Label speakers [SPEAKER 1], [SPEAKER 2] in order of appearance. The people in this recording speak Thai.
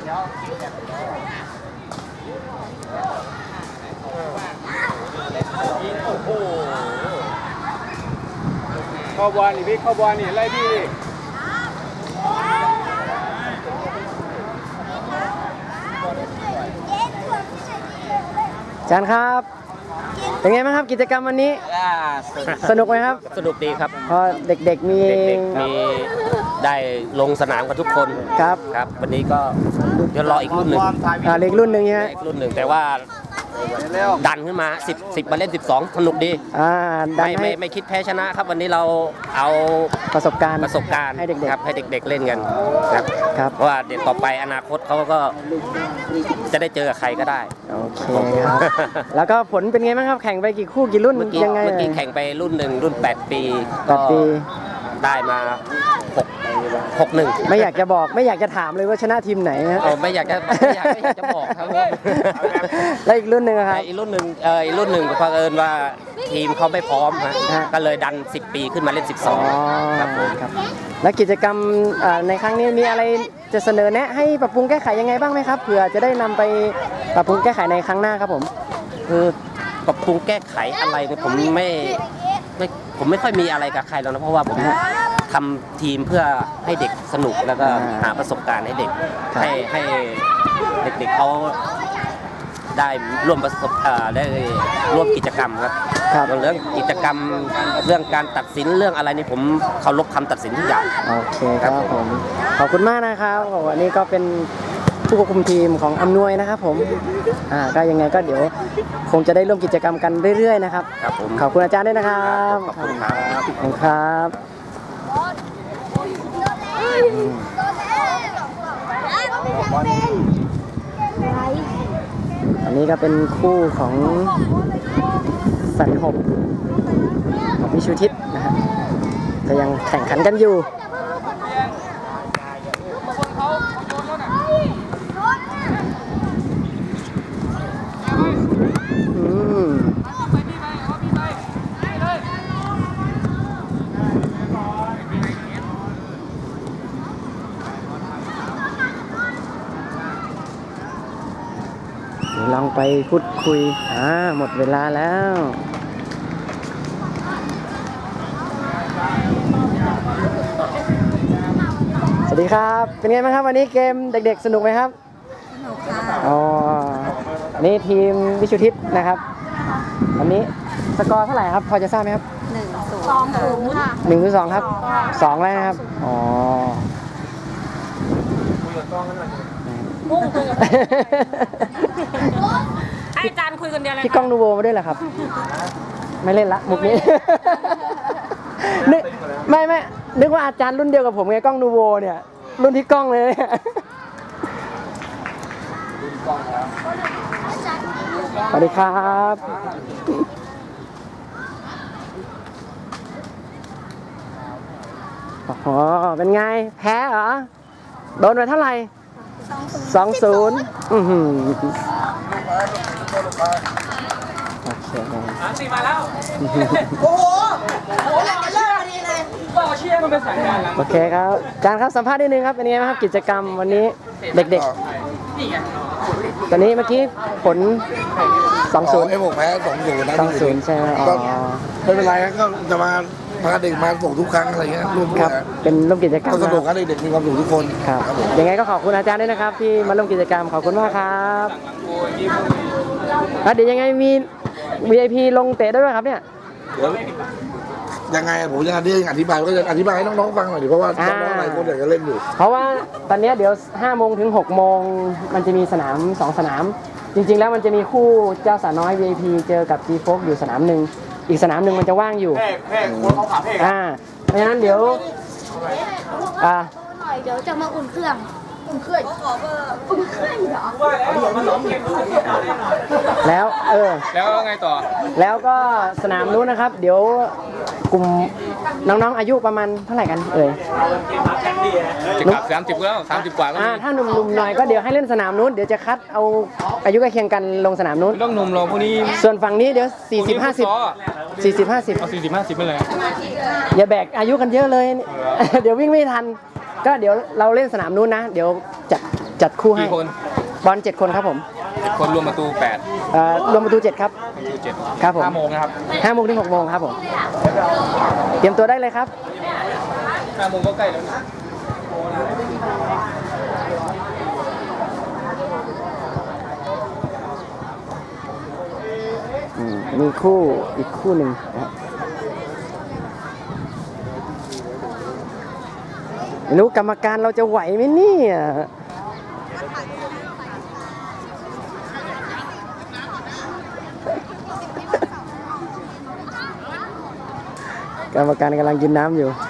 [SPEAKER 1] โอ้โหเข้าบอลนี่พี่เข้าบอลนี่ไล่พี่
[SPEAKER 2] อาจารย์ครับเป็นไงบ้างครับกิจกรรมวันนี้สนุกไหมครับ
[SPEAKER 3] สนุกดีครับ
[SPEAKER 2] พอเด็กๆมี
[SPEAKER 3] ได้ลงสนามกันทุกคน
[SPEAKER 2] ครับ
[SPEAKER 3] ครับวันนี้ก็เดี๋ยวรออีกรุ่นหนึ่ง
[SPEAKER 2] เล็กรุ่นหนึ่งใช่ไหม
[SPEAKER 3] อีกรุ่นหนึ่งแต่ว่าดันขึ้นมา10มาเล่น12สนุกดีไม่คิดแพ้ชนะครับวันนี้เราเอา
[SPEAKER 2] ประสบการณ์
[SPEAKER 3] ให้เด็กๆครับให้เด็กๆเล่นกันครับเพราะว่าเด็กต่อไปอนาคตเขาก็จะได้เจอกับใครก็ได้
[SPEAKER 2] โอเคครับแล้วก็ผลเป็นไงบ้างครับแข่งไปกี่คู่กี่รุ่นยังไง
[SPEAKER 3] เมื่อกี้แข่งไปรุ่นหนึ่งรุ่น8 ปีก็ได้มา6-1
[SPEAKER 2] ไม่อยากจะบอกไม่อยากจะถามเลยว่าชนะทีมไหนนะ
[SPEAKER 3] ไม่อยากจะบอกครับ
[SPEAKER 2] แล้วอีกรุ่นหนึ่งครับ
[SPEAKER 3] อีกรุ่นหนึ่งเผอิญว่าทีมเขาไม่พร้อมก็เลยดัน10 ปีขึ้นมาเล่น12ครับผม
[SPEAKER 2] แล้วกิจกรรมในครั้งนี้มีอะไรจะเสนอแนะให้ปรับปรุงแก้ไขยังไงบ้างไหมครับเผื่อจะได้นำไปปรับปรุงแก้ไขในครั้งหน้าครับผม
[SPEAKER 3] คือปรับปรุงแก้ไขอะไรเนี่ยผมไม่ค่อยมีอะไรกับใครแล้วนะเพราะว่าผมทำทีมเพื่อให้เด็กสนุกแล้วก็หาประสบการณ์ให้เด็กให้เด็กๆเขาได้ร่วมได้ร่วมกิจกรรมครับเรื่องกิจกรรมเรื่องการตัดสินเรื่องอะไรนี่ผมเคารพคำตัดสินทุกอย่าง
[SPEAKER 2] โอเคครับผมขอบคุณมากนะครับวันนี้ก็เป็นผู้ควบคุมทีมของอำนวยนะครับผมก็ยังไงก็เดี๋ยวคงจะได้ร่วมกิจกรรมกันเรื่อยๆนะครับขอบคุณอาจารย์ด้วยนะครับ
[SPEAKER 3] ขอบคุณครับ
[SPEAKER 2] ขอบคุณครับอันนี้ก็เป็นคู่ของสันหบกับวิชุทิศนะฮะก็ยังแข่งขันกันอยู่ลองไปพูดคุยหมดเวลาแล้วสวัสดีครับเป็นไงบ้างครับวันนี้เกมเด็กๆสนุกไหมครับ
[SPEAKER 4] สนุกค่ะ
[SPEAKER 2] อันนี้ทีมวิชุทิศนะครับวันนี้สกอร์เท่าไหร่ครับพอจะทราบไหมครับ
[SPEAKER 4] 1-2ค่ะ
[SPEAKER 2] 1-2ครับ2แล้วนะครับ
[SPEAKER 4] ให้อาจารย์คุยคนเดียวเลย
[SPEAKER 2] พี่ก้องนูโวมาด้วยเหรอครับไม่เล่นละมุกนี้ไม่นึกว่าอาจารย์รุ่นเดียวกับผมไงก้องนูโวเนี่ยรุ่นที่ก้องเลยสวัสดีครับเป็นไงแพ้เหรอโดนไปเท่าไหร่2-0โอเค
[SPEAKER 1] 3-4มาแล้วโอ้โหเลิกพอดีเลยก็เชียร์มันเป็นสายงานแล้ว
[SPEAKER 2] โอเคครับอาจารย์ครับสัมภาษณ์นิดนึงครับเป็นไงบ้างครับกิจกรรมวันนี้เด็กๆตอนนี้เมื่อกี้ผล2-0
[SPEAKER 5] ไอ้ผมแพ้2-0นะ
[SPEAKER 2] 2-0ใช่ไหม
[SPEAKER 5] ก็ไม่เป็นไรก็จะมาพาเด็กมาส่งทุกครั้งอะไรเงี้ยร่วม
[SPEAKER 2] ครับเป็นร่วมกิจกรรม
[SPEAKER 5] ก็สนุกกันเด็กมีความสุขทุกคน
[SPEAKER 2] ครับยังไงก็ขอบคุณอาจารย์ด้วยนะครับที่มาร่วมกิจกรรมขอบคุณมากครับเดี๋ยวยังไงมี VIP ลงเตะได้ด้วยครับเนี่ย
[SPEAKER 5] ยังไงผมจะอธิบายก็จะอธิบายให้น้องๆฟังหน่อยดิเพราะว่าน้องๆหลายคนอยากจะเล่นอยู่
[SPEAKER 2] เพราะว่าตอนนี้เดี๋ยว5 โมงถึง6 โมงมันจะมีสนาม2 สนามจริงๆแล้วมันจะมีคู่เจ้าสาวน้อย VIP เจอกับ G-Fox อยู่สนามหนึ่งอีกสนามหนึ่งมันจะว่างอยู่
[SPEAKER 1] เพ่คนเขาขาเพ่
[SPEAKER 2] เพราะฉะนั้นเดี๋ยว
[SPEAKER 4] หน่อยเดี๋ยวจะมาอุ่นเครื่องอุ่นเครื่องเหรอ
[SPEAKER 2] แล้ว
[SPEAKER 1] แล้วไงต่อ
[SPEAKER 2] แล้วก็สนามนู้นนะครับเดี๋ยวกลุ่มน้องๆอายุประมาณเท่าไหร่กัน
[SPEAKER 1] จะกลับ30แล้ว30กว่าแล้ว
[SPEAKER 2] ถ้าหนุ่มๆหน่อยก็เดี๋ยวให้เล่นสนามนู้นเดี๋ยวจะคัดเอาอายุใกล้เคียงกันลงสนามนู้น
[SPEAKER 1] ต้องหนุ่มลงพวกนี้
[SPEAKER 2] ส่วนฝั่งนี้เดี๋ยว40-50
[SPEAKER 1] เอา40-50ไปเลย
[SPEAKER 2] อย่าแบกอายุกันเยอะเลยเดี๋ยววิ่งไม่ทันก็เดี๋ยวเราเล่นสนามนู้นนะเดี๋ยวจะจัดคู่ให้
[SPEAKER 6] กี่คน
[SPEAKER 2] บอล7 คนครับผม
[SPEAKER 6] คนรวมประตู
[SPEAKER 2] รวมประตู7ครับ
[SPEAKER 6] ประตู7
[SPEAKER 2] ครับผม
[SPEAKER 6] 5 โมงนะครับ
[SPEAKER 2] 5 โมงถึง 6 โมงครับผม เตรียมตัวได้เลยครับ
[SPEAKER 6] 5 โมงก็ใกล้แล้วนะ
[SPEAKER 2] มีคู่อีกคู่หนึ่งนะครับไม่รู้กรรมการเราจะไหวไหมเนี่ยกรรมการกำลังกินน้ำอยู่